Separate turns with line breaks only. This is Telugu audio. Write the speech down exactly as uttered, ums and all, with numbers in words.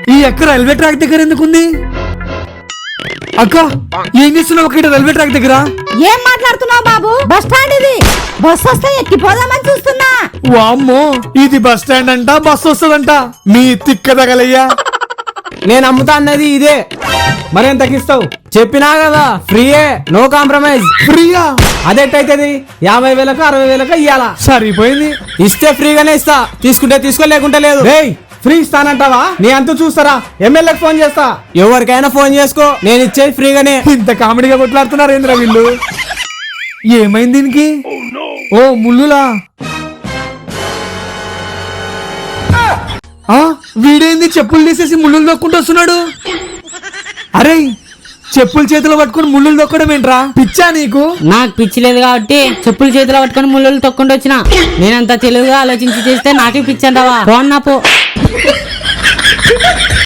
ఈ అక్క రైల్వే ట్రాక్ దగ్గర ఎందుకుంది? అక్క ఏం చేస్తున్నావు అక్కడ రైల్వే ట్రాక్ దగ్గర?
ఏం మాట్లాడుతున్నావు బాబు? బస్ స్టాండ్ ఇది. బస్ వస్తే ఎక్కిపోదామని చూస్తున్నా.
వామ్మో, ఇది బస్ స్టాండ్ అంట, బస్ వస్తుందంట. మీ తిక్క తగలయ్యా.
నేను అమ్ముతా అన్నది ఇదే, మరేం తగ్గిస్తావు? చెప్పినా కదా ఫ్రీయే, నో కాంప్రమైజ్.
ఫ్రీయా?
అదెట్టయితది? యాభై వేలకు అరవై వేలకు ఇయ్యాలా?
సరిపోయింది.
ఇస్తే ఫ్రీగానే ఇస్తా, తీసుకుంటే తీసుకో, లేకుంటే లేదు. రేయ్, ఫ్రీ ఇస్తానంటావా? నీ అంత చూస్తారా? ఎమ్మెల్యేకి ఫోన్ చేస్తా. ఎవరికైనా ఫోన్ చేసుకో, నేను ఇచ్చేది ఫ్రీగానే.
ఇంత కామెడీగా కొట్లాడుతున్నారు ఏంద్రా వీళ్ళు? ఏమైంది దీనికి? ఓ ముల్లులా? ఆ వీడేంది చెప్పులు తీసేసి ముళ్ళులు దొక్కుంటూ వస్తున్నాడు? అరే, చెప్పులు చేతిలో పట్టుకుని ముళ్ళులు దొక్కడం ఏంట్రా? పిచ్చా నీకు?
నాకు పిచ్చి లేదు కాబట్టి చెప్పులు చేతిలో పట్టుకొని ముళ్ళు తొక్కుంటూ వచ్చిన. నేనంత తెలివిగా ఆలోచించి చేస్తే నాకే పిచ్చి అంటావా? పో అన్నా పో.